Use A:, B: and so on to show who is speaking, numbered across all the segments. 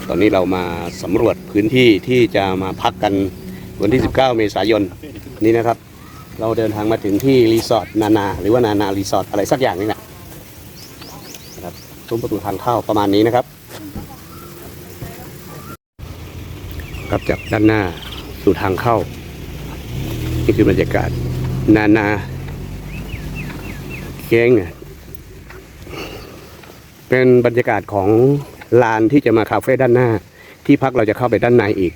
A: ตอนนี้เรามาสำรวจพื้นที่ที่จะมาพักกันวันที่ 19 เมษายนนี้นะครับเราเดินทางมาถึงที่รีสอร์ทนานาหรือว่านานารีสอร์ทอะไรสักอย่างนี่นะครับซุ้มประตูทางเข้าประมาณนี้นะครับครับจากด้านหน้าสู่ทางเข้านี่คือบรรยากาศนานาเก้งเป็นบรรยากาศของลานที่จะมาคาเฟ่ด้านหน้าที่พักเราจะเข้าไปด้านในอีก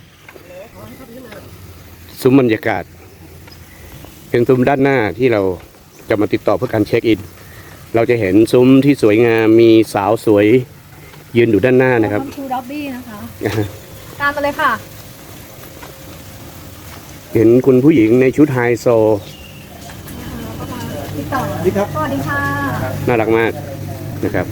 A: ซุ้มบรรยากาศเป็นซุ้มด้านหน้าที่เราจะมาติดต่อเพื่อการเช็คอินเราจะเห็นซุ้มที่สวยงามมีสาวสวยยืนอยู่ด้านหน้านะครับ
B: ทูด็อบบี้นะคะตามมาเลยค่ะ
A: เห็นคุณผู้หญิงในชุดไฮโซ
B: พี่ต่อสวัสดีค่ะ
A: น่ารักมากนะครับ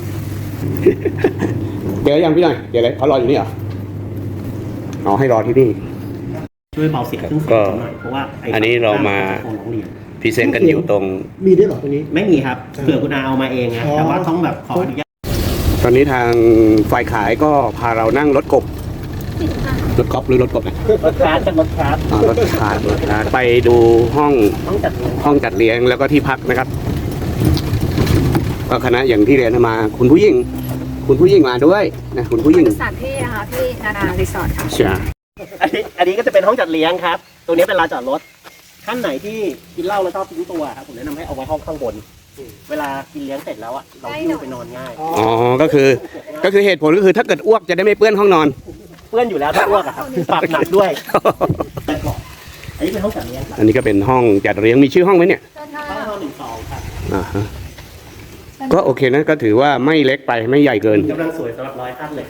A: เดี๋ยวยังพี่หน่อยเดี๋ยวอะไรเขารออยู่นี่เหรอเอาให้รอที่นี่
C: ช่วยเบาเสียง
A: ก็
C: เพราะว่า
A: อันนี้เรามาพรีเซนต์กันอยู่ตรง
D: มีด้วยหรอตรงนี้
C: ไม่มีครับเผื่อคุณอาเอามาเองนะแต่ว่าต้องแบบขออนุญาต
A: ตอนนี้ทางฝ่ายขายก็พาเรานั่งรถกบรถกบหรือรถกบนะ
C: รถคาร์ดรถคาร์ด
A: รถคาร์ดไปดูห้องจัดเลี้ยงแล้วก็ที่พักนะครับก็คณะอย่างที่เรียนมาคุณผู้หญิงมาด้วยนะคุณผู้หญิง
B: สถานที่นะคะที่นานารีสอร์ทค่ะ
A: ใช่
C: อันนี้ก็จะเป็นห้องจัดเลี้ยงครับตัวนี้เป็นลานจอดรถท่านไหนที่กินเหล้าแล้วชอบทิ้งตัวครับผมแนะนำให้เอาไว้ห้องข้างบนเวลากินเลี้ยงเสร็จแล้วอ่ะเราหิ้วไปนอนง่าย
A: อ๋อก็คือเหตุผลก็คือถ้าเกิดอ้วกจะได้ไม่เปื้อนห้องนอน
C: เปื้อนอยู่แล้วถ้าอ้วกอะครับปรับหนักด้วยอันนี้เป็นห้องจัดเลี้ยง
A: อันนี้ก็เป็นห้องจัดเลี้ยงมีชื่อห้องไหมเนี่ย
C: ห้อง1-2ครับ
A: ก็โอเคนะก็ถือว่าไม่เล็กไปไม่ใหญ่เกิน
C: กำลังสวยสำหรับ100 ท่านเลย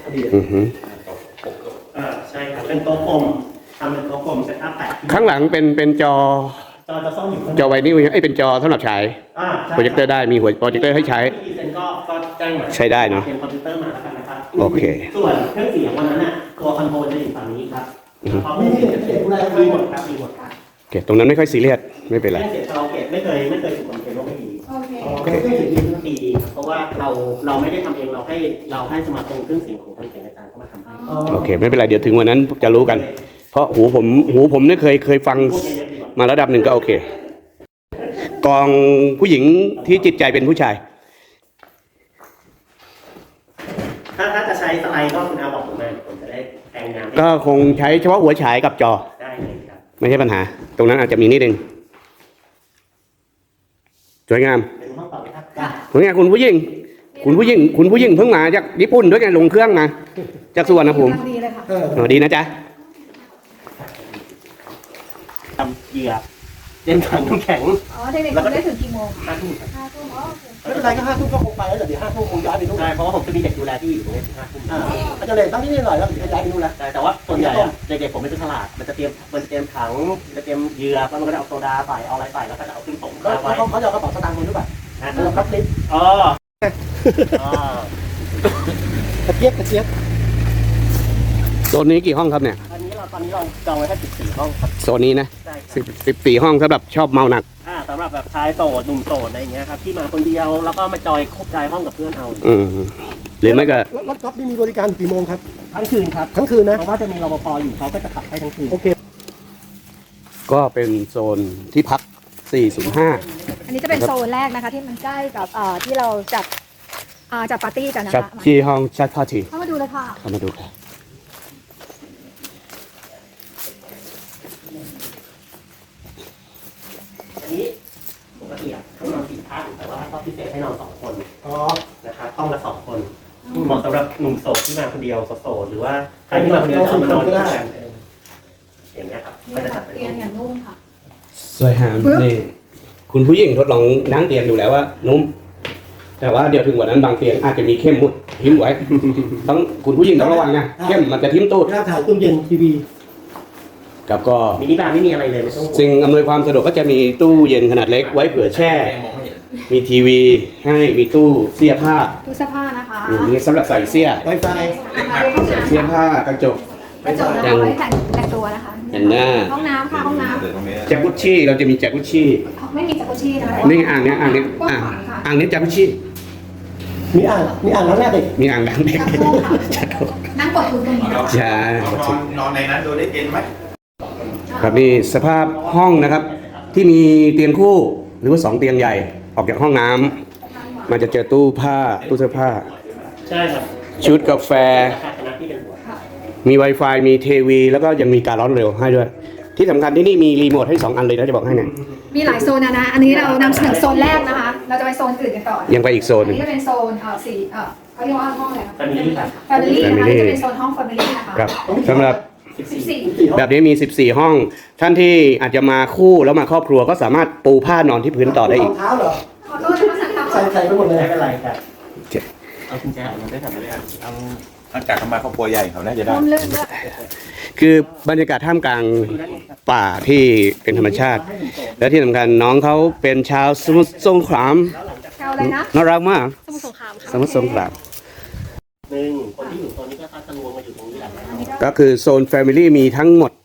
C: ใช่ครับเป็นโต๊ะกลมทำเป็นโต๊ะกลมเซตอัพ8
A: ข้างหลังเป็นจอ
C: จะซ่อมอยู่
A: จอไวนิลเป็นจอสำหรับฉายโปรเจคเตอร์ได้มีหัวโปรเจคเตอร์ให้ใช้
C: ก็แจ้งมา
A: ใช้ได้เนาะ
C: เป็นคอมพิวเตอร์มาแล้วกันนะครับ
A: โอเค
C: ส่วนเครื่องเสียงวันนั้นน่ะตัวคอนโทรลจะอยู่ฝั่งนี้ครับไม่มีเสียงอะไรมีหมดครับมีหมดครับ
A: โอเคตรงนั้นไม่ค่อยซีเรียสไม่เป็นไร
C: เสียงคาราโอเกะไม่เคยถูกคอนเทนต์ว่าไม่ดีโอเคดีเพราะว่าเราไม่ได้ทำเองเราให้สมาคมเครื่องเสียงของทางเสียงอาจารย์เข้ามาทำให้
A: โอเคไม่เป็นไรเดี๋ยวถึงวันนั้นจะรู้กันเพราะหูผมเนี่ยเคยฟังมาระดับหนึ่งก็โอเคกองผู้หญิงที่จิตใจเป็นผู้ชาย
C: ถ้าจะใช้สไลด์ก็คุณอาบอกผมมาผมจะได้แต่งงาน
A: ก็คงใช้เฉพาะหัวฉายกับจอ
C: ได้เลยครับ
A: ไม่ใช่ปัญหาตรงนั้นอาจจะมีนิดนึงสวยงามสวยงามคุณผู้หญิงเพิ่งมาจากญี่ปุ่นด้วยกันลงเครื่องมาจากสุวรรณภูมิ
B: ดีเลยค่ะ
A: ดีนะจ๊ะ
C: ทำเหยื่อเล่นถังน้ำแข็ง
B: เด็กๆได้ถึงกี่โมง
C: 5 ทุ่ม
D: ไม่เป็นไรก็5 ทุ่มก็คงไปแล้วเดี๋ยว5 ทุ่มคงย้ายไปนู่น
C: ใช่เพราะว่าผมจะมีเด็กดูแลที่อยู่ตรงนี้5 ทุ่ม
D: อาจารย์เลยตั้งที่นี่หน่อยแล้วย้ายไปนู่นแล้ว
C: แต่ว่าส่วนใหญ่เด็กๆผมไม่เป็นฉลาดมันจะเตรียมถังจะเตรียมเหยื่อแล้วมันก็จะเอาโซดาใส่เอาอะไรใส่แล้วก็จะเอาขึ้นส่ง
D: เขาจะเอากระเป๋าสตางค์มาด้วยป่ะเราคับลิฟต์กระเจี๊ยบ
A: โซนนี้กี่ห้องครับเนี่ย
C: ตอนนี้เราจองไว้แค่14 ห้องครับ
A: โซนนี้นะ14 ห้องสำหรับชอบเมาหนัก
C: สำหรับแบบชายโสดหนุ่มโสดอะไรอย่างเงี้ยครับที่มาคนเดียวแล้วก็มาจอยคบใจห้องกับเพื่อนเอา
A: หรือไม่ก็
D: รถก๊อฟนี่มีบริการกี่โมงครับ
C: ทั้งคืนครับ
D: ทั้งคืนนะ
C: เพราะว่าจะมีรปภอยู่เขาก็จะขับให้ทั้งคืน
D: โอเค
A: ก็เป็นโซนที่พัก405
B: อันนี้จะเป็นโซนแรกนะคะที่มันใกล้กับที่เราจัดปาร์ตี้กันนะ
A: คะที่ห้องจัดปาร์ตี้
B: เข้ามาดูเลยค่ะ
A: เข้ามาดูค่ะ
C: นี้ปกติให้นอน4 ท่านแต่ว่าก็พิเศษให้นอน2 คนนะครับห้องละ2 คนเหมาะสำหรับหนุ่มโสดที่มาคนเดียวโสดหรือว่าใครที่มาคนเดียวจะมานอนด้วยกันอย่างเงี้ยครับก็จะจัดเป็น
B: เตียงอย่างนุ่มค่ะ
A: สวยงามนี่คุณผู้หญิงทดลองนั่งเตียงดูแล้วว่านุ่มแต่ว่าเดี๋ยวถึงวันนั้นบางเตียงอาจจะมีเข้มมุดทิ้มไว้ต้องคุณผู้หญิงต้องระวังนะเข้มมันจะทิ้มตูด
D: ถ่ายตู้เย็นทีวี
A: กับก็
C: มินิบาร์ไม่มีอะไรเลยไม่ต้อง
A: สิ่งอำนวยความสะดวกก็จะมีตู้เย็นขนาดเล็กไว้เผื่อแช่มีทีวีให้มีตู้เสื้อผ้า
B: นะคะ
A: มีสำหรับใส่เสื้อ
D: ไวไฟ
A: เสื้อผ้ากระจก
B: เอาไว้แต่งตัวนะคะ
A: แต่งหน้า
B: ห้องน้ำค่ะห้องน้ำ
A: จากุชชี่เราจะมีจากุชชี่
B: ไม่มีจากุชชี่นะ
A: นี่อ่างนี้จากุชชี่
D: มีอ่างล้างหน้าเด็ก
A: มีอ่างล้างเด็ก
B: ชักโครกค่ะนั่งกดทุนตรงนี้นะ
A: ใช่
E: นอนในนั้นดูได้เย็นไหม
A: ครับนี่สภาพห้องนะครับ ที่มีเตียงคู่หรือว่า2เตียงใหญ่ออกจากห้องน้ำมันจะเจอตู้ผ้าตู้เสื้อผ้า
C: ใช่ครับ
A: ชุดกาแฟ
C: ราคาคณะที่เป็นหัว
A: มี Wi-Fi มีทีวีแล้วก็ยังมีการร้อนเร็วให้ด้วย ที่สำคัญที่นี่มีรีโมทให้2อันเลยนะจะบอกให้เนี่ย
B: มีหลายโซนนะอันนี้เรานำเสนอโซนแรกนะคะ เราจะไปโซนอื่นกันต่อ
A: ยังไปอีกโซน
B: อั
A: ห
B: น
A: นึ่ง
B: นี้จะเป็นโซนเขาเรียกว่าห้องอะไรคะ
C: Family ครับ
B: Family นะคะ
A: Family
B: นี่จะเป็นโซนห้อง Family นะคะ
A: ครับสำหรับ
B: 14
A: แบบนี้มี 14 ห้อง ท่านที่อาจจะมาคู่แล้วมาครอบครัวก็สามารถปูผ้านอนที่พื้นต่อได้
D: ร
A: อี
D: อก งเท้าเหรอ
B: ขอโทษนะคะสั่งทำ
D: ใส่ไปหมดเลย
C: ไม่เป็นไรครับ
A: โอเค
C: เอากุญแจออกมาได้ทำไม่ได้
E: ตั้งจากเขามาครอบครัวใหญ่เขาน่าจะได้
B: ร่มรื่นด้วย
A: คือบรรยากาศท่ามกลางป่าที่เป็นธรรมชาติ และที่สำคัญน้องเขาเป็นชาวสมุทรสงคราม
B: แถวอะไรนะ
A: น่ารักมาก
B: สมุทรสงครามค่ะ
A: สมุทรสงคราม
C: หนึ่งคนที่อยู่โซนนี้ก็พักรวมมาอยู่ตรงนี้แหละ
A: ก็คือโซน Family มีทั้งหมด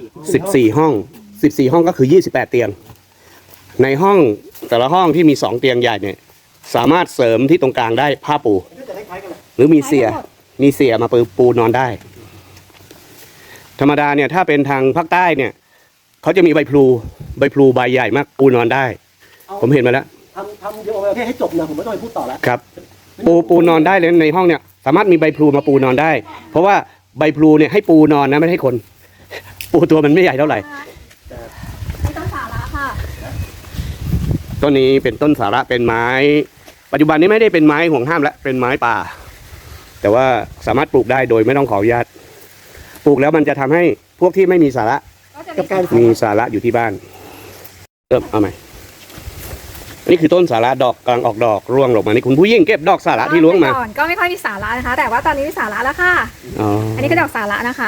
A: 14 ห้อง 14 ห้องก็คือ 28 เตียง ในห้องแต่ละห้องที่มี 2 เตียงใหญ่เนี่ยสามารถเสริมที่ตรงกลางได้ผ้าปู หรือมีเสียมาปูนอนได้ ธรรมดาเนี่ยถ้าเป็นทางภาคใต้เนี่ยเขาจะมีใบพลูใบใหญ่มากปูนอนได้ ผมเห็นมาแล้ว
D: ทำเดี๋ยวเอาไปให้จบนะผมไม่ต้องไปพูดต่อแล้ว
A: ครับ ปูนอนได้เลยในห้องเนี่ยสามารถมีใบพลูมาปูนอนได้ เพราะว่าใบพลูเนี่ยให้ปูนอนนะไม่ให้คน ปูตัวมันไม่ใหญ่เท่าไหร่
B: ไม่ต้องสาระค่ะ
A: ต้นนี้เป็นต้นสาระเป็นไม้ ปัจจุบันนี้ไม่ได้เป็นไม้ห่วงห้ามแล้วเป็นไม้ป่า แต่ว่าสามารถปลูกได้โดยไม่ต้องขออนุญาตปลูกแล้วมันจะทำให้พวกที่ไม่มีสาระ
B: ก็จะ
D: กับการ
A: มีสาระอยู่ที่บ้านเริ่มเอาใหม่อันนี้คือต้นสาระดอกกำลังออกดอกร่วงลงมานี่คุณผู้ยิ่งเก็บดอกสาระที่ร่วงมา
B: ก่อนก็ไม่ค่อยมีสาระนะคะ แต่ว่าตอนนี้มีสาระแล้วค่ะ
A: อ๋อ
B: อันนี้ก็ดอกสาระนะคะ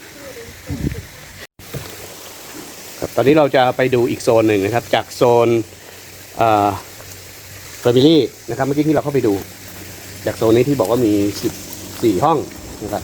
A: ครับตอนนี้เราจะไปดูอีกโซนหนึ่งนะครับ จากโซนแฟมิลี่นะครับเมื่อกี้ที่เราเข้าไปดู จากโซนนี้ที่บอกว่ามี14 ห้องนะครับ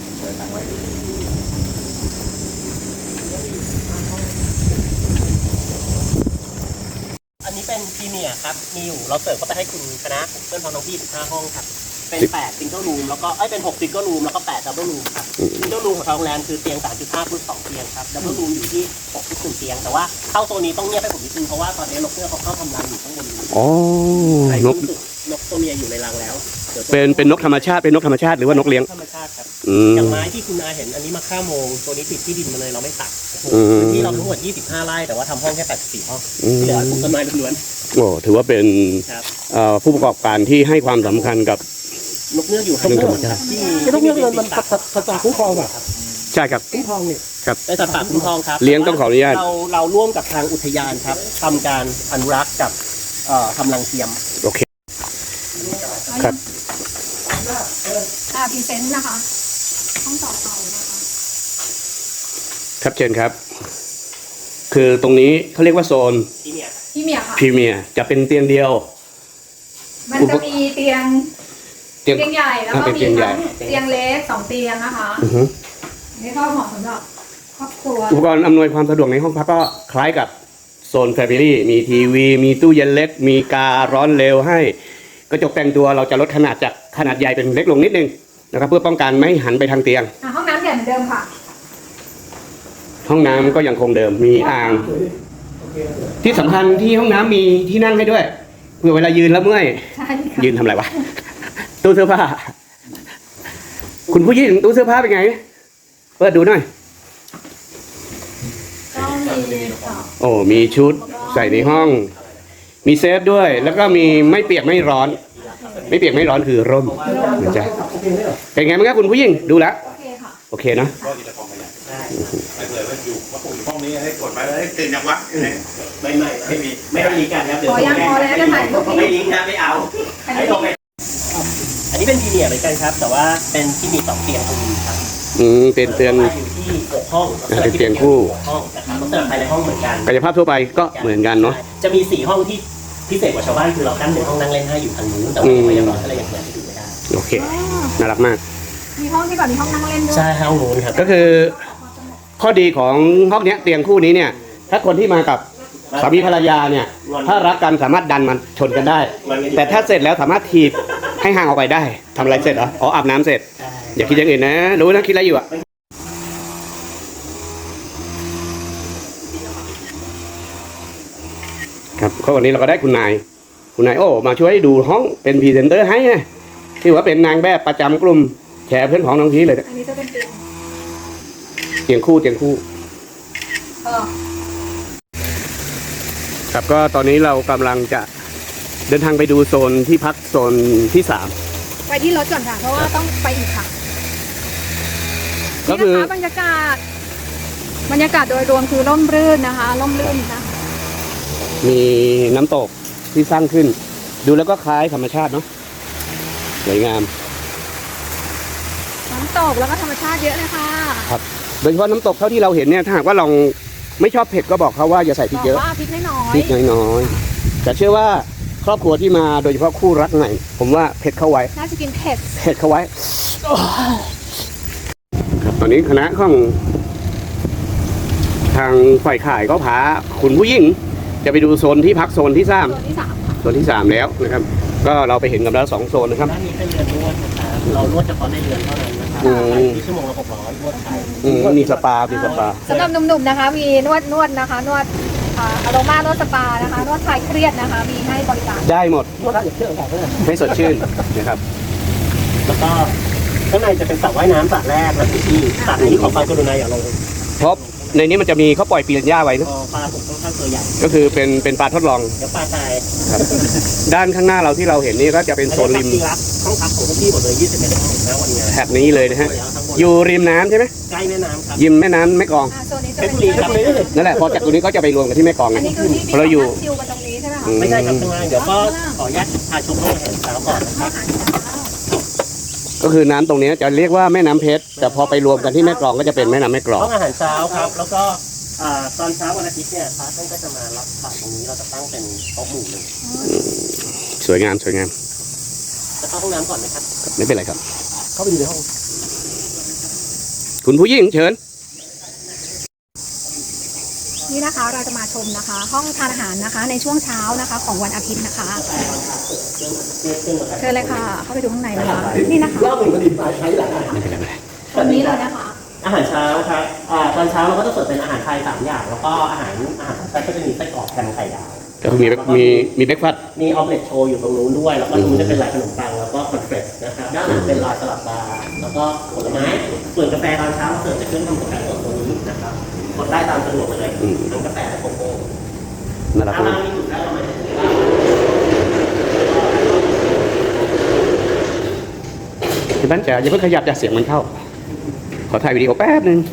C: อันนี้เป็นพรีเมียร์ครับมีอยู่เราเสิร์ฟเข้าไปให้คุณคณะเพื่อนพ้องน้องพี่15ห้องครับเป็น8ซิงเกิลรูมแล้วก็เป็น6ซิงเกิลรูมแล้วก็8ดับเบิลรูมครับซิงเกิลรูมของทางโรงแรมคือเตียง 3.5 plus 2 เตียงครับดับเบิลรูมอยู่ที่6 plus 1 เตียงแต่ว่าเข้าโซนนี้ต้องเงียบให้ผมนิดนึงเพราะว่าตอนนี้นกเงือกเขาเข้าทำรังอยู่ข้างบนนี้
A: อ๋อ
C: ไอ้
A: นก
C: นกตัวเมียอยู่ในรังแล้วดี๋ยวตัว
A: เป็นนกธรรมชาติเป็นนกธรรมชาติหรือว่านกเลี้ยง
C: ธรรมชาติครับ
A: อืม
C: อย่างไม้ที่คุณอาเห็นอันนี้มา5โมงตัวนี้ติดที่ดินมาเลยเราไม่ตัด
A: อืม
C: ที่เราทั้งหมด25ไร่แต่ว่าทำห้องแค่84ห้อง
A: อืม
C: ที่เหลือปลูกต้นไม้ล้วน
A: โอ้ถือว่าเป็น
C: ๆครับ
A: ผู้ประกอบการที่ให้ความสำคัญกับ
C: นกเงือกอยู่ข้าง
A: เรื่อง
C: บ
A: ธรรม
C: น
A: ชาติ
C: ที่
D: ไม่ต้องเรียกมันสัตว์คุ้มครองอ่ะ
A: ใช่ครับ
D: คุ้มครองเนี่ย
C: ได้สัตว์ป่าคุ้มครองครับ
A: เลี้ยงต้องขออนุญาต
C: เราร่วมกับทางอุทยานครับทำการอนุรักษ์กับทำรังเทียม
A: โอเค ครับ
B: พรีเซนต์นะคะ ห้องต่อไปนะคะ
A: ครับเชิญครับ คือตรงนี้เขาเรียกว่าโซน
C: ที่เนี่ย
B: พี่เมียค่ะ
A: พรีเมียร์จะเป็นเตียงเดียว
B: มันจะมีเตียง
A: เตียง
B: เตียงใหญ่แล้วก็
A: เป็น
B: มี
A: เตียงใหญ่
B: ทั้งเตียงเล็ก2เตียงนะคะ
A: อือฮึ
B: นี่ก็เหมาะสำหรับครอบครัว
A: อุปกรณ์อำนวยความสะดวกในห้องพักก็คล้ายกับโซนแฟมิลี่มีทีวี มีตู้เย็นเล็ก มีการ้อนเร็วให้กระจกแต่งตัวเราจะลดขนาดจากขนาดใหญ่เป็นเล็กลงนิดนึงนะครับเพื่อป้องกันไม่ให้หันไปทางเตียง
B: ห้องน้ำใหญ่เหมือนเดิมค่ะ
A: ห้องน้ำก็ยังคงเดิมมีอ่าง ที่สำคัญที่ห้องน้ำมีที่นั่งให้ด้วยเพื่อเวลายืนแล้วเมื่อย
B: ใช่ค่ะ
A: ยืนทำอะไรวะ ตู้เสื้อผ้า คุณผู้หญิงตู้เสื้อผ้าเป็นไง เปิดดูหน่อย
B: ก็มีค่ะ
A: โอ้มีชุดใส่ในห้อง มีเซฟด้วย แล้วก็มีไม่เปียกไม่ร้อน ไม่เปียกไม่ร้อนคือร่มนะจ๊ะเป็นไงบ้างครับคุณผู้หญิงดูแล้ว
B: โอเคค่ะ
A: โอเคนะ
E: ก็อีกกองขยะไม่เผื่อว่าอยู่ว่าผมอยู่ห้องนี้ให้กดไปแล้วตื่นจากวัด
C: ไม่มีไม่ต้องลิงก์กันครับเดี๋ยว
B: พอยังพอแล้วจะถ่ายรูป
C: ไม่
B: นี้
C: ลิงก์นะไม่เอา
B: อัน
C: ให้
B: นี้
C: ลงไปอันนี้เป็นพรีเมียร์เหมือนกันครับ แต่ว่าเป็นที่มี2เตียงตรงนี้ครับ
A: เป็นเตือน
C: อยู่ที่6ห้อง
A: เป็นเตียงคู่
C: ห้องนะครับลักษณะภายในห้องเหมือนกัน
A: กายภาพทั่วไปก็เหมือนกันเนาะ
C: จะมี4ห้องที่พิเศษกว่าชาวบ้านคือเรากั้นเป็นห้องนั่งเล่นให้อยู่ทางนู้นแต่ว่าพยาบาลก็เลยยังเปิดให้ดูไม่ได้
A: โอเค น่ารักมาก
B: มีห้องที่แบบมีห้องนั่งเล่นด้วย
C: ใช่ห้องนู้นครับ
A: ก็คือข้อดีของห้องเนี้ยเตียงคู่นี้เนี่ย ถ้าคนที่มากับสามีภรรยาเนี่ย ถ้ารักกันสามารถดันมันชนกันได้ แต่ถ้าเสร็จแล้วสามารถถีบให้ห่างออกไปได้ทำอะไรเสร็จเหรออ๋ออาบน้ำเสร็จ
C: ใช่
A: อย่าคิดอย่างอื่นนะรู้นะคิดอะไรอยู่อะครับก็วันนี้เราก็ได้คุณนายโอ้มาช่วยดูห้องเป็นพรีเซนเตอร์ให้นะที่ว่าเป็นนางแบบประจำกลุ่มแชร์เพื่อนของน้องพีชเลยนะ
B: อันนี้จะเป็นเตียง
A: เตียงคู่
B: เออ
A: ครับก็ตอนนี้เรากำลังจะเดินทางไปดูโซนที่พักโซนที่สาม
B: ไปที่รถก่อนค่ะ เพราะว่าต้องไปอีกค่ะ
A: ก็
B: นี่
A: คือ
B: นะคะบรรยากาศโดยรวมคือร่มรื่นนะคะร่มรื่นนะ
A: มีน้ำตกที่สร้างขึ้น ดูแล้วก็คล้ายธรรมชาติเนาะสวยงาม
B: น้ำตกแล้วก็ธรรมชาติเยอะเลยค่ะ
A: ครับโดยเฉพาะน้ำตกเท่าที่เราเห็นเนี่ยถ้าหากว่าเราไม่ชอบเผ็ดก็บอกเขาว่าอย่าใส่พริ
B: บ
A: ก
B: อก
A: เยอะ
B: ว่าพริกน้อย
A: พริกน้อยๆแต่เชื่อว่าครอบครัวที่มาโดยเฉพาะคู่รักใหม่ผมว่าเผ็ดเข้าไว้
B: น่าจะกินเผ็ด
A: เผ็ดเข้าไว้ครับตอนนี้คณะของทางฝ่ายขายก็พาคุณผู้หญิงจะไปดูโซนที่พักโซนที่สาม
B: ส่วนที่สามค่ะ
A: โซนที่ 3 แล้วนะครับ ก็เราไปเห็นกันแล้ว2โซนนะครับ
C: ด้านนี้เป็นเรือนนวดนะครับเรานวดเฉพาะในเรือนเท่านั้นนะครับ
A: อืม
C: ที่ชั่วโมงละ600นวดไทย
A: มีสปา
B: สำหรับหนุ่มๆนะคะ มีนวดนะคะ นวดอโรมานวดสปานะคะ นวดคลายเครียดนะคะ มีให้บริการ
A: ได้หมด
D: นวดได้อย่างเชื่อแบบนั้น
A: ให้สดชื่นนะครับ
C: แล้วก็ข้างในจะเป็นสระว่ายน้ำสระแรกนะพี่สระนี้ขอความกรุณาอย่าลง
A: เพราะในนี้มันจะมีเขาปล่อยปีนหญ้าไว้นะ
C: ปลาผมค่อนข้างตัวใหญ่
A: ก็คือเป็นปลาทดลอง
C: เดี๋ยวปลาตาย
A: ครับด้านข้างหน้าเราที่เราเห็นนี่ก็จะเป็นโซนริม
C: ที่รับห้องพักของพี่หมดเลย21ห้องนะวันงาน
A: แถบนี้เลยนะฮะ อยู่ริมน้ำใช่ไหม
C: ใกล้แม่น้ำครับ
A: ยิมแม่น้ำแม่กลอง
B: โซนนี้จะ
C: เพชร
B: เป็น
C: บุรีครับไม่ได้เลย
A: นั่นแหละพอจากตรงนี้ก็จะไปรวมกันที่แม่กลอง
B: อัน
A: ไง
B: นี้คือที่มี
A: เราอยู่
B: ชิลกันตรงนี้ใช่ไหมคะ
C: ไม่ใช่ครับข้างล่างเดี๋ยวก็ขออนุญาตพาชมห้องอาหารเช้าก่อนนะครับ
A: ก็คือน้ำตรงนี้จะเรียกว่าแม่น้ำเพชรแต่พอไปรวมกันที่แม่กลองก็จะเป็นแม่น้ำแม่กลอง
C: ห้องอาหารเช้าครับ แล้วก็ตอนเช้าวันอาทิตย์เนี่ยพระท่านก็จะมารับบาตรตรงนี้เราจะตั้งเป็นโต๊ะหมู่หนึ่ง
A: สวยงาม
C: จะเข้าห้องน้ำก่อนไหมครับ
A: ไม่เป็นไรครับ
D: เข้าไปดูในห้อง
A: คุณผู้หญิงเชิญ
B: นี่นะคะเราจะมาชมนะคะ ห้องทานอาหารนะคะ ในช่วงเช้านะคะ ของวันอาทิตย์นะคะ เชิญเลยค่ะ เข้าไปดูข้างในเลยค่ะนี่นะคะ
D: รอบหนึ่งก็ดีมาใช้หลาย
A: ไม่เป็นไร
B: ตรงนี้เลยนะคะ
C: อาหารเช้าครับตอนเช้าเราก็จะเสิร์ฟเป็นอาหารไทย3อย่าง แล้วก็อาหารไทยก็จะมีไส้กรอกแฮมไข่ดาว
A: ก็คือมีเบรกฟาสต์
C: มีออมเล็ตโชว์อยู่ตรงนู้นด้วย แล้วก็ตรงนู้นจะเป็นลายขนมปัง แล้วก็คอนเฟรชนะครับ ด้านหลังเป็นลายสลัดบาร์แล้วก็ผลไม้ ส่วนกาแฟตอนเช้าเราเสิร์ฟจากเครื่องทำกาแฟสดตรงนี้นะครับกดได้ตามสะดวกเลยทั้งกาแฟและโกโก้
A: น่ารัก
C: ถ้าม
A: าก
C: มีจุดได้เราไม่ได้
A: คุณบ้านจ๋าอย่าเพิ่งขยับอย่าเสียงมันเข้า ขอถ่ายวิดีโอแป๊บนึง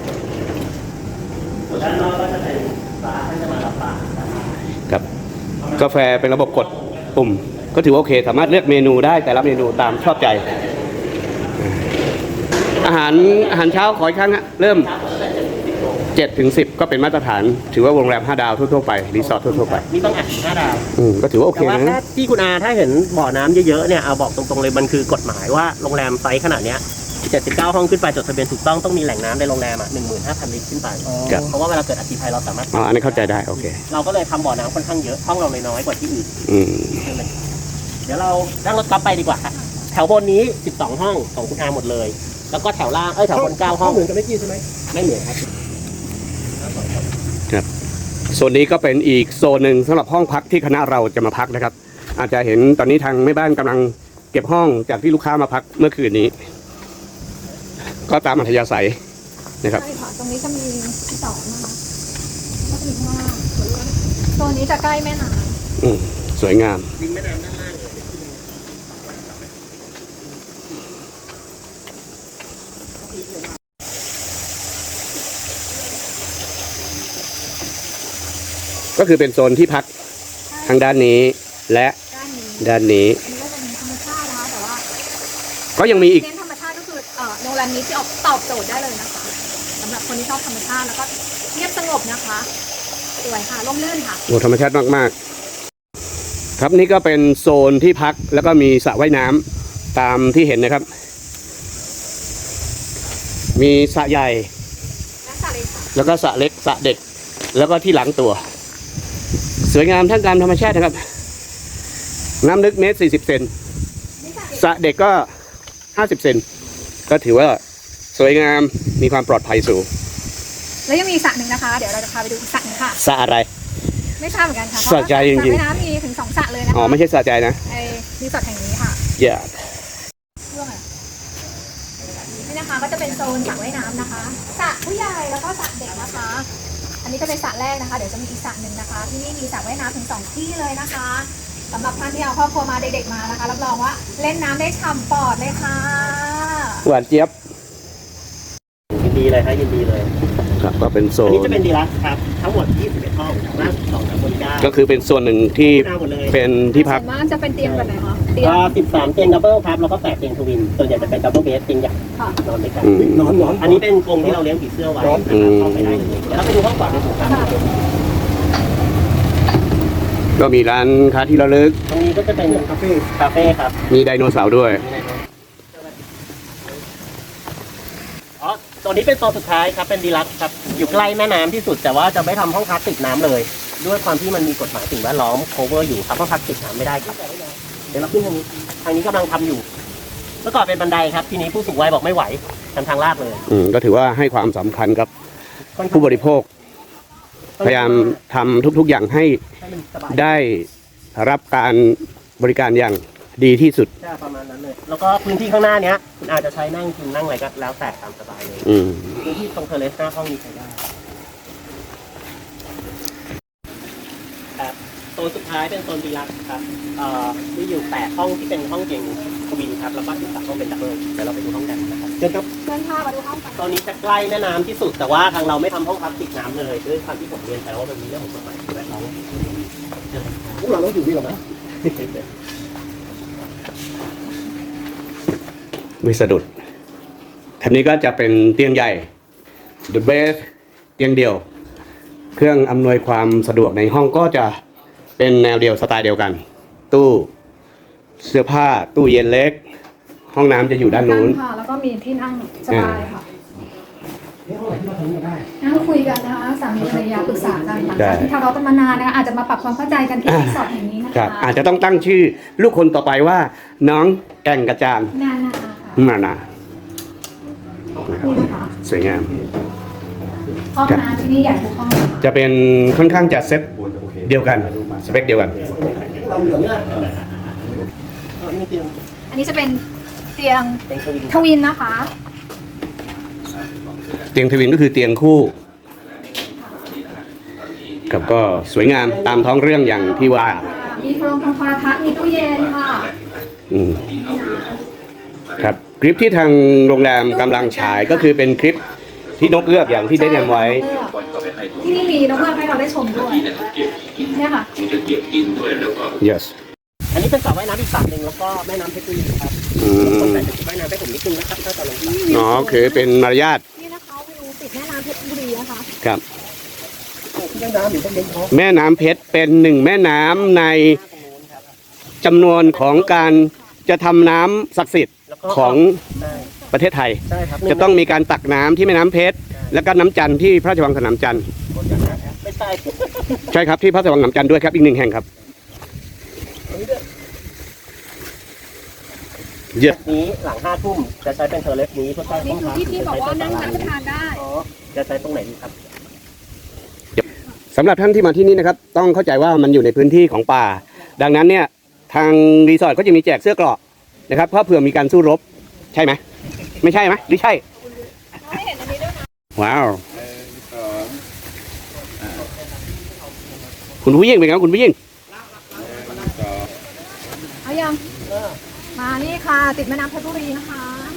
C: ส่วนด้านนอกก็จะเป็นบาร์ท่านจะมารับบาร์นะครับ
A: ครับ กาแฟเป็นระบบกดปุ่ม ก็ถือว่าโอเค สามารถเลือกเมนูได้แต่ละเมนูตามชอบใจ อาหารเช้าขออีกครั้งฮะเริ่ม7 ถึง 10 ก็เป็นมาตรฐาน ถือว่าโรงแรม5 ดาวทั่วๆไปรีสอร์ททั่วๆไป
C: นี่ต้องอ่าน5 ดาว
A: ก็ถือว่าโอเค
C: แต่ว่า
A: นะ
C: ถ้าที่คุณอาถ้าเห็นบ่อน้ำเยอะๆเนี่ยเอาบอกตรงๆเลยมันคือกฎหมายว่าโรงแรมไซส์ขนาดเนี้ย79 ห้องขึ้นไปจดทะเบียนถูกต้องมีแหล่งน้ำในโรงแรม15,000 ลิตรขึ้นไป
A: ครับ
C: เพราะว่าเวลาเกิดอัคคีภัยเราสามารถ
A: อ๋ออันนี้เข้าใจได้โอเค
C: เราก็เลยทำบ่อน้ำค่อนข้างเยอะห้องเราเลยน้อยกว่าที่อื่น
A: อืม
C: เดี๋ยวเรานั่งรถกลับไปดีกว่าค่ะแถวบนนี้12 ห้องของคุณอาหมดเลย แล้วก็แถวล่างแถวบน9 ห้อง
D: เหมือนกับเมื่อกี้ใช่ไหม
C: ไม่เหมือนครับ
A: โซนนี้ก็เป็นอีกโซนหนึ่งสำหรับห้องพักที่คณะเราจะมาพักนะครับ อาจจะเห็นตอนนี้ทางแม่บ้านกำลังเก็บห้องจากที่ลูกค้ามาพักเมื่อคืนนี้ ก็ตามอัธยาศัยนะครับ
B: ใช่ค่ะ ตรงนี้จะมีที่สองนะคะก็จะมีข้างล่างโซนนี้จะใกล้แม่น้
A: สวยงาม ก็คือเป็นโซนที่พัก
B: ำ
A: ทางด้านนี้และ
B: ด้านนี้
A: ด้านนี้
B: อันนี้ก็เป็นธรรมชาตินะคะแต่ว่า
A: ก็ยังมีอีก
B: เน้นธรรมชาติก็คือโรงแรมนี้ที่ออกตอบโจทย์ได้เลยนะคะสำหรับคนที่ชอบธรรมชาติแล้วก็เงียบสงบนะคะสวยค่ะร่มรื่นค่ะ
A: โอ้ธรรมชาติมากๆ ครับนี่ก็เป็นโซนที่พักแล้วก็มีสระว่ายน้ำตามที่เห็นนะครับ มีสระใหญ่
B: และสาเลยค่ะ
A: แล้วก็สระเล็กสระเด็ก แล้วก็ที่หลังตัว สวยงามทั้งการธรรมชาตินะครับ น้ำลึก1.40 เมตร
B: นี่
A: สระเด็กก็50 เซนก็ถือว่าสวยงามมีความปลอดภัยสูง
B: แล้วยังมีอีกสระหนึ่งนะคะ เดี๋ยวเราจะพาไปดูอีกสระหนึงค่ะ
A: สระอะไร
B: ไม่ทราบเหมือนกันค่ะ
A: สระใจจริงๆ
B: สระว่ายน้ำมีถึง2สระเลยนะคะ
A: อ๋อไม่ใช่สระใจนะ
B: ไอ้รีสอร์ทแห่งนี้ค่ะ
A: อย่า
B: เรื่องอะไรนี่นะคะก็จะเป็นโซนสระว่ายน้ำนะคะสระผู้ใหญ่แล้วก็สระเด็กนะคะ อันนี้ก็เป็นสระแรกนะคะ เดี๋ยวจะมีอีกสระหนึ่งนะคะ ที่นี่มีสระว่ายน้ำถึง2ที่เลยนะคะสำหรับท่านที่เอาครอบครัวมาเด็กๆมานะคะรับรองว่าเล่นน้ำได้ฉ่ำปอดเลยค่ะ
A: หวานเจี๊ยบ
C: ยินดีเลยครับยินดีเลย
A: ครับก็เป็นโซ
C: อัน
A: น
C: นี้จะเป็นดีลักซ์ครับทั้งหมด21ห้องจากล่าง12 3บน9
A: ก็คือเป็นส่วนหนึ่งที่
C: หน้าหมดเลย
A: เป็นที่พัก
B: ส่วนมากจะเป็นเตียงแบบไหนคะเตียง
C: ก็13 เตียงดับเบิลครับแล้วก็8เตียงทวินส่วนใหญ่จะเป็นดับเบิลเบสเตียงใหญ่
B: ค่ะ
C: นอนด้วยกัน
A: อืม
D: นอน
C: อันนี้เป็นกรงที่เราเลี้ยงผีเสื้อไว้นะครับเข้าไปได้เลยเดี๋ยวเราไปดูห้องก่อนนะครับ
A: ก็มีร้านค้าที่ระลึก
C: ตรงนี้ก็จะเป็นคาเฟ่ครับ
A: มีไดโนเสาร์ด้วย
C: อ๋อตัวนี้เป็นโซนสุดท้ายครับเป็นดีลักซ์ครับอยู่ใกล้แม่น้ำที่สุดแต่ว่าจะไม่ทำห้องพักติดน้ำเลย ด้วยความที่มันมีกฎหมายสิ่งแวดล้อม cover อยู่ครับห้องพักติดน้ำไม่ได้ครับเดี๋ยวเราขึ้นทางนี้กำลังทำอยู่เมื่อก่อนเป็นบันไดครับทีนี้ผู้สูงวัยบอกไม่ไหวทำทางลาดเลย
A: ก็ถือว่าให้ความสำคัญกับผู้บริโภค พยายามทำทุกๆอย่างให้
C: ให้มันสบาย
A: ได้รับการบริการอย่างดีที่สุด
C: ใช่ประมาณนั้นเลย แล้วก็พื้นที่ข้างหน้าเนี้ยคุณอาจจะใช้นั่งกินนั่งอะไรก็แล้วแต่ตามสบายเลย
A: อืม
C: พื้นที่ตรงเทอร์เลสหน้าห้องนี้ใช้ได้ครับโซนสุดท้ายเป็นโซนดีลักซ์ครับที่อยู่8ห้องที่เป็นห้องเตียงทวินครับแล้วก็อีก3ห้องเป็นดับเบิลเดี๋ยวเราไปดูห้องกันนะครับเชิญครับ
B: เชิญพามาดูห้องกัน
C: ตอนนี้จะใกล้แม่น้ำที่สุดแต่ว่าทางเราไม่ทำห้องพักติดน้ำเลยด้วยความที่ผมเรียนไปว่ามันมีเรื่องของกฎหมายแวดล้อม
D: พวกเราต้องอยู่นี่หรอนะ
A: ไม่สะดุดคันนี้ก็จะเป็นเตียงใหญ่ The Best เตียงเดียว เครื่องอำนวยความสะดวกในห้องก็จะเป็นแนวเดียวสไตล์เดียวกัน ตู้เสื้อผ้าตู้เย็นเล็ก ห้องน้ำจะอยู่ด้านนู้น
B: ค่ะ แล้วก็มีที่นั่งสบายค่ะ
C: นี่ห้องไหนที่เราทำกันได้
B: นั่งคุยกันนะคะสามีภรรยาปรึกษากันหลัง
A: ได้
B: จากที่ทะเลาะกันมานานนะคะอาจจะมาปรับความเข้าใจกันที่รีสอร์ทแห่งนี้นะ
A: ครั
B: คะ
A: บอาจจะต้องตั้งชื่อลูกคนต่อไปว่า น้องแก่งกระจาน
B: นานาค่ะ
A: มานา
B: นี่นะคะ
A: สวยงาม
B: ห้องน้ำที่นี่ใหญ่ทุกห้องเลยค่ะ
A: จะเป็นค่อนข้างจะเซ็ตเดียวกันสเปคเดียวกัน
D: เราเหลืองเนี่ย
C: นี่เตียง
B: อันนี้จะเป็นเตียง
C: เป็นทวิน
B: ทวินนะคะ
A: เตียงทวินก็คือเตียงคู่กับก็สวยงามตามท้องเรื่องอย่างที่ว่า
B: มีโทรทัศน์มีตู้เย็นค่ะ
A: อืมครับคลิปที่ทางโรงแรมกำลังฉายก็คือเป็นคลิปที่นกเอื้อกอย่างที่ได้แนะนำไว้
B: ที่นี่มีนกเงือกให้เราได้ชมด้วยเนี่ยค่ะ
A: yes
C: อันนี้เป็นสระว่ายน้ำอีกสระหนึ่งแล้วก็แม่น้ำเพชรบุรีครับ
A: อื
C: คน
A: ม
C: แต่จะว่ายน้ำให้ผมนิดนึงนะครับถ้าจะลงสระ
A: อ๋อคือเป็นมารยาท
B: นี่นะคะวิวติดแม่น้ำเพชรบุรีนะคะ
A: ครับ
D: ที่น้ำหรือต้องเลี้ยงท้อง
A: แม่น้ำเพชรเป็นหนึ่งแม่น้ำในจำนวนของการจะทำน้ำศักดิ์สิทธิ์
C: แล้วก็
A: ของ
C: ใช่
A: ประเทศไทย
C: ใช่ครับ
A: จะต้องมีการตักน้ำที่แม่น้ำเพชรแล้วก็น้ำจันทร์ที่พระราชวังสนามจันทร์
C: ไม่ใช่
A: ใช่ครับที่พระราชวังสนามจันทร์ด้วยครับอีกหนึ่งแห่งครับเยอะ
C: นี้หลัง5 ทุ่มจะใช้เป็นเทอร์เลสนี้เพื่อใช้
B: นี่คือที่พี่บอกว่านั่งรับประทานได้
C: อ๋อจะใช้ตรงไหนดีครับ
A: สำหรับท่านที่มาที่นี่นะครับ ต้องเข้าใจว่ามันอยู่ในพื้นที่ของป่า ดังนั้นเนี่ยทางรีสอร์ทก็จะมีแจกเสื้อเกราะนะครับเพราะเผื่อมีการสู้รบใช่ไหมไม่ใช่ไหมหรือใช่
B: ไม่เห็นอันนี้ด้วยนะ
A: ว้าวคุณผู้หญิงเป็นไงครับคุณผู้หญิง
B: เอายังมานี่ค่ะ ติดแม่น้ำเพชรบุรีนะคะ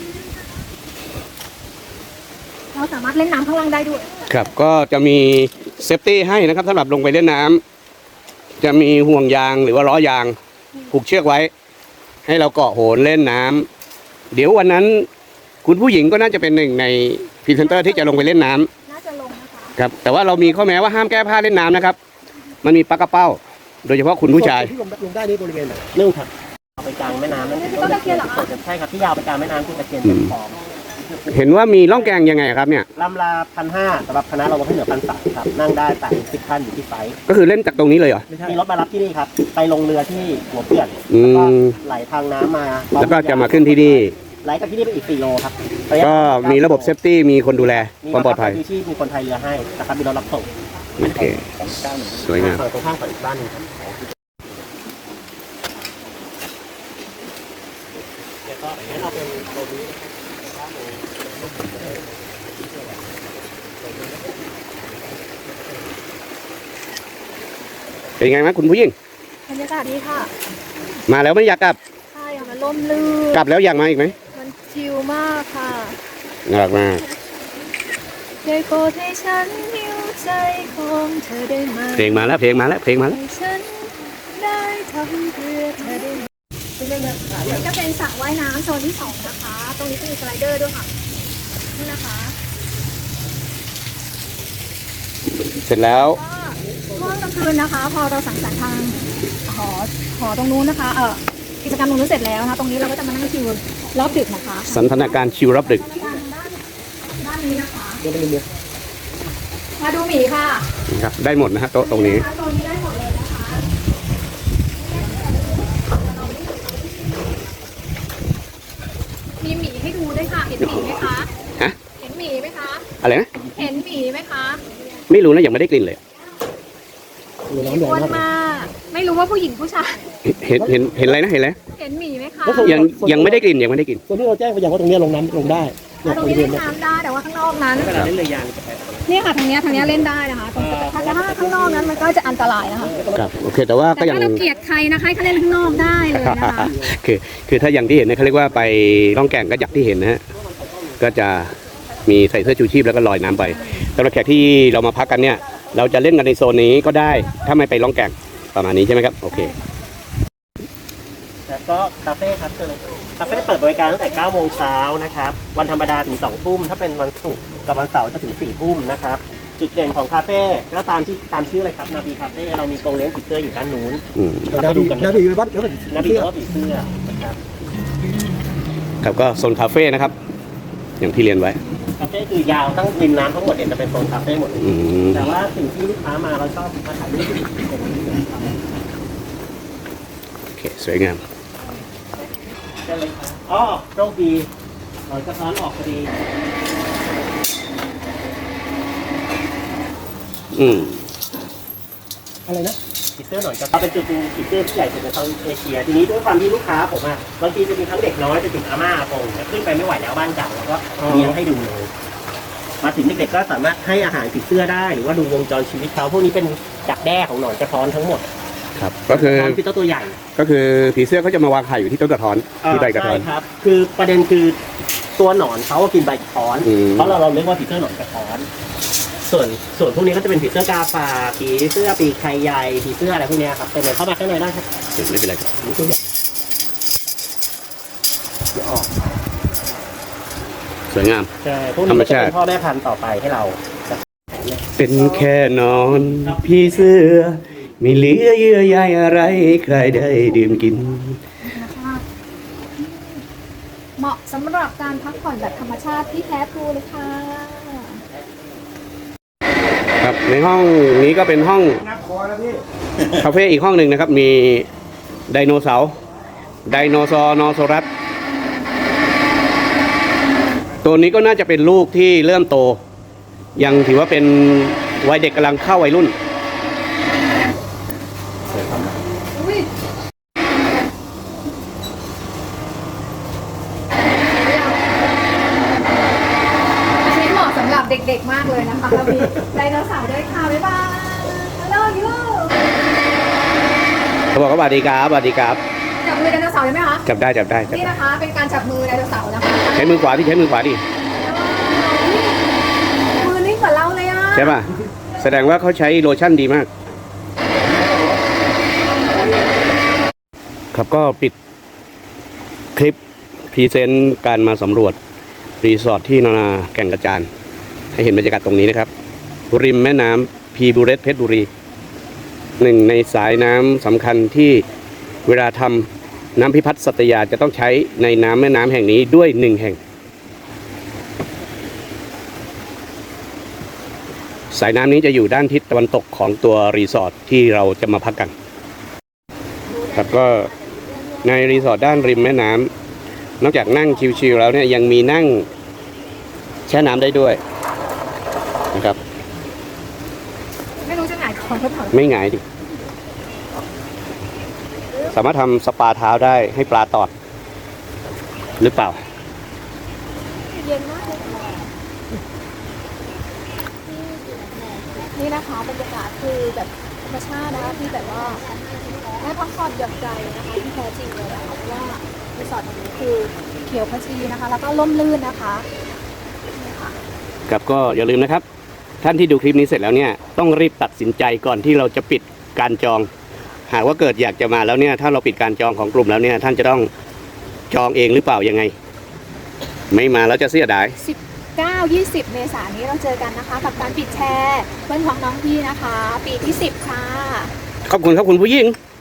B: เราสามารถเล่นน้ำข้างล่างได้ด้วย
A: ครับก็จะมีเซฟตี้ให้นะครับสำหรับลงไปเล่นน้ำจะมีห่วงยางหรือว่าล้อยางผูกเชือกไว้ ให้เราเกาะโหนเล่นน้ำเดี๋ยววันนั้นคุณผู้หญิงก็น่าจะเป็นหนึ่งในพรีเซนเตอร์ที่จะลงไปเล่นน้ำ
B: น่าจะลงนะคะ
A: ครับแต่ว่าเรามีข้อแม้ว่าห้ามแก้ผ้าเล่นน้ำนะครับ มันมีปลากระเป้า โดยเฉพาะคุณผู้ชาย
D: ที่ลงได้นี่บริเวณไหน
C: นึ่งครับเอาไปกลางแม่น้ำนั่นคือต้นตะเคียนเหรอใช่ครับที่ยาวไปกลางแม่น้ำคือตะเคียนเป็นฟอง
A: เห็นว่ามีล่องแกงยังไงครับเนี่ย
C: ลำลา1,500สำหรับคณะเราลงให้เหลือ1,300ครับนั่งได้แต่10ท่านอยู่ที่ไซต์
A: ก็คือเล่นจากตรงนี้เลยเหรอ
C: มีรถมารับที่นี่ครับไปลงเรือที่หัวเขื่อน
A: อืม
C: แล้วก็ไหลทางน้ำมา
A: แล้วก็จะมาขึ้นที่นี่
C: ไหลจากที่นี่ไปอีก4 โลครับะยะ
A: ก็มีระบบเซฟตี้มีคนดูแลความปลอดภัย
C: มีที่มีคนไทยเรือให้นะครับมีรถรับส่ง
A: โอเคสวยงาม
C: ฝั่งตรงข้ามกับอีกบ้านหนึงครับเดี๋ยวก็งั้นเราเป็นโรบี
A: เป็นไงไหมคุณผู้หญิง
B: บรรยากาศดีค่ะ
A: มาแล้วไม่อยากกลับ
B: ใช่ค่ะมันร่มรื่น
A: กลับแล้วอยากมาอีกไหม
B: มันชิลมากค่ะ
A: น่ารักมาก
B: ได้โปรดให้ฉันหิวใจของเธอได้ไหม
A: เพลงมาแล้วเพลงมาแล้วเพลงมาแล้ว
B: ให้ฉันได้ทำเพื่อเธอได้ไหมจะเป็นสระว่ายน้ำโซนที่2นะคะ ตรงนี้จะมีสไลเดอร์ด้วยค่ะนี่นะคะ
A: เสร็จแล้ว
B: ก็ช่วงกลางคืนนะคะ พอเราสังสรรค์ทางหอตรงนู้นนะคะกิจกรรมตรงนู้นเสร็จแล้วนะตรงนี้เราก็จะมานั่งชิลรอบดึกนะคะ
A: สันทนาการชิวรับดึก
B: ด้านนี้นะคะมาดูหมีค่ะ
A: ครับได้หมดนะฮะโต๊ะตรงนี้
B: โซนนี้ได้หมดเลยนะคะมีหมีให้ดูด้วยค่ะ เห็นหมีไหมคะ
A: ฮะ
B: เห็นหมีไหมคะ
A: อะไรนะ
B: เห็นหมีไหมคะ
A: ไม่รู้นะยังไม่ได้กลิ่นเลย
B: หมีอ้วนมากไม่รู้ว่าผู้หญิงผู้ชาย
A: เห็นอะไรนะเห็นอะไร
B: เห็นหมีไหมคะ
A: ยังไม่ได้กลิ่นยังไม่ได้กลิ่น
D: ส่วนที่เราแจ้งไปอย่างว่าตรงนี้ลงน้ำลงได้เนี่ย
B: ตรง
D: บ
B: นี้
D: ริเว
B: เล่
D: ณ
B: น
D: เนี่ย
B: น้ำได้แต่ว่าข้างนอกนั้น
C: เวลาเล่นเรือยางจะไป
B: เนี่ยค่ะทางเนี้ยเล่นได้นะคะตรงแต่ถ้าข้างนอกนั้นมันก็จะอันตรายนะคะ
A: ครับโอเคแต่ว่า
B: แต่
A: ก็ยัง
B: ถ้าเราเกลียดใครนะคะให้เขาเล่นข้างนอกได้เลยนะคะ
A: คือถ้าอย่างที่เห็นเนี่ยเขาเรียกว่าไปล่องแก่งก็อย่างที่เห็นนะฮะก็จะมีใส่เสื้อชูชีพแล้วก็ลอยน้ำไปสำหรับแขกที่เรามาพักกันเนี่ย เราจะเล่นกันในโซนนี้ก็ได้ถ้าไม่ไปล่องแก่งประมาณนี้ใช่ไหมครับโอเค
C: แล้วก็คาเฟ่ครับเชิญเลยคาเฟ่เปิดบริการตั้งแต่9 โมงเช้านะครับวันธรรมดาถึง2 ทุ่มถ้าเป็นวันศุกร์กับวันเสาร์จะถึง4 ทุ่มนะครับจุดเด่นของคาเฟ่ก็ตามชื่อเลยครับนาบีคาเฟ่เรามีกรงเลี้ยงผีเสื้ออยู่ด้านนู้น
A: อืม
D: นาบีนาบีวัดแล้ว
C: นาบีก็ผีเสื้อนะครับ
A: ครับก็โซนคาเฟ่นะครับ อย่างที่เรียนไว้
C: คาเฟ่คือยาวตั้งริมน้ำทั้งหมดเนี่ยจะเป็นโซนคาเฟ่หมดเลย
A: อืม
C: แต่ว่าสิ่งที่ลูกค้ามาเราชอบมาถ่ายรูปที่ตรงนี้นะครับ
A: โอเคสวยงาม
C: เชิญเลยครับอ๋อโชคดีเราจะซ้อนออกพอดี
A: อืม
D: อะไรนะ
C: ผีเสื้อหน่อยก็เป็นจุดดูผีเสื้อที่ใหญ่สุดในเซาท์เอเชีย ทีนี้ด้วยความที่ลูกค้าผมอะบางทีจะมีทั้งเด็กน้อยจะถึงอาม่าอาปงแต่ขึ้นไปไม่ไหวแล้วบ้านเก่าแล้วก็เลี้ยงให้ดูเลย มาถึงเด็กๆก็สามารถให้อาหารผีเสื้อได้ หรือว่าดูวงจรชีวิตเขาพวกนี้เป็นดักแด้ของหนอนกระท้อนทั้งหมด
A: ครับก็คือ
C: กระท้อนคือเจ้าตัวใหญ่
A: ก็คือผีเสื้อเขาจะมาวางไข่อยู่ที่ต้นกระท้อนที่ใบกระท้อน
C: ใช่ครับ คือประเด็นคือตัวหนอนเขากินใบกระท้อน
A: อืม
C: เพราะเราเรียกว่าผีเสื้อหนอนกระท้อน ส่วนพวกนี้ก็จะเป็นผีเสื้อกาฝากผีเสื้อปีกไข่ใหญ่ผีเสื้ออะไรพวกเนี้ยครับเป็นเลยเข้ามาข้างในได้ครับ
A: ไม่เป็นไรครับ
C: นี่ตัวใหญ่เดี๋ยวออก
A: สวยงาม
C: ใช่พวกนี้ก็จะเป็นพ่อแม่พันธุ์ต่อไปให้เรา
A: เป็นแค่นอนพี่เสื้อไม่เหลือเยื่อใยอะไรใครได้ดื่มกิน
B: นะคะเหมาะสำหรับการพักผ่อนแบบธรรมชาติที่แท้ทรูเลยค่ะ
A: ครับในห้องนี้ก็เป็นห้องคาเฟ่อีกห้องหนึ่งนะครับ มีไดโนเสาร์ไดโนซอร์นอโซรัสตัวนี้ก็น่าจะเป็นลูกที่เริ่มโต ยังถือว่าเป็นวัยเด็กกำลังเข้าวัยรุ่น
B: อุ้ยอันนี้เหมาะสำหรับเด็กๆมากเลยนะคะแล้วมีไดโนเสาร์ด้วยค่ะ บ๊ายบายฮัลโหลยู
A: เขาบอกว่าสวัสดีครับสวัสดีครับ
B: จับมือไดโนเสาร์ได้ไหมคะ
A: จับได้จับได้จับ
B: นี่
A: ได้
B: นะคะ เป็นการจับมือไดโนเสาร์นะคะ
A: ใช้มือขวาที่ใช้มือขวาดิ
B: มือนิ่งกว่าเราเลยอ่ะ
A: ใช่ป่ะแสดงว่าเขาใช้โลชั่นดีมาก ครับก็ปิดคลิปพรีเซนต์การมาสำรวจรีสอร์ทที่นานาแก่งกระจานให้เห็นบรรยากาศตรงนี้นะครับ ริมแม่น้ำพีบูเรสเพชรบุรี หนึ่งในสายน้ำสำคัญที่เวลาทำน้ำพิพัฒน์สัตยาจะต้องใช้ในน้ำแม่น้ำแห่งนี้ด้วยหนึ่งแห่งสายน้ำนี้จะอยู่ด้านทิศตะวันตกของตัวรีสอร์ทที่เราจะมาพักกันครับก็ในรีสอร์ทด้านริมแม่น้ำนอกจากนั่งชิลๆแล้วเนี่ยยังมีนั่งแช่น้ำได้ด้วยนะครับ
B: ไม่รู้จะหงายท้องหรือเปล่า
A: ไม่หงายดิสามารถทำสปาเท้าได้ให้ปลาตอดหรือเปล่า
B: เย็นมากเลยนี่นะคะบรรยากาศคือแบบธรรมชาตินะคะที่แบบว่าได้พักผ่อนหย่อนใจนะคะที่แท้จริงเลยนะคะเพราะว่ารีสอร์ทแห่งนี้คือเขียวขจีนะคะ แล้วก็ร่มรื่นนะคะนี่ค่ะ
A: ครับก็อย่าลืมนะครับ ท่านที่ดูคลิปนี้เสร็จแล้วเนี่ยต้องรีบตัดสินใจก่อนที่เราจะปิดการจอง หากว่าเกิดอยากจะมาแล้วเนี่ยถ้าเราปิดการจองของกลุ่มแล้วเนี่ยท่านจะต้องจองเองหรือเปล่ายังไง ไม่มาแล้วจะเสียดาย
B: 19-20 เมษายนนี้เราเจอกันนะคะ กับการปิดแชร์เพื่อนของน้องพี่นะคะ ปีที่ 10 ค่ะ
A: ขอบคุณครับคุณผู้หญิง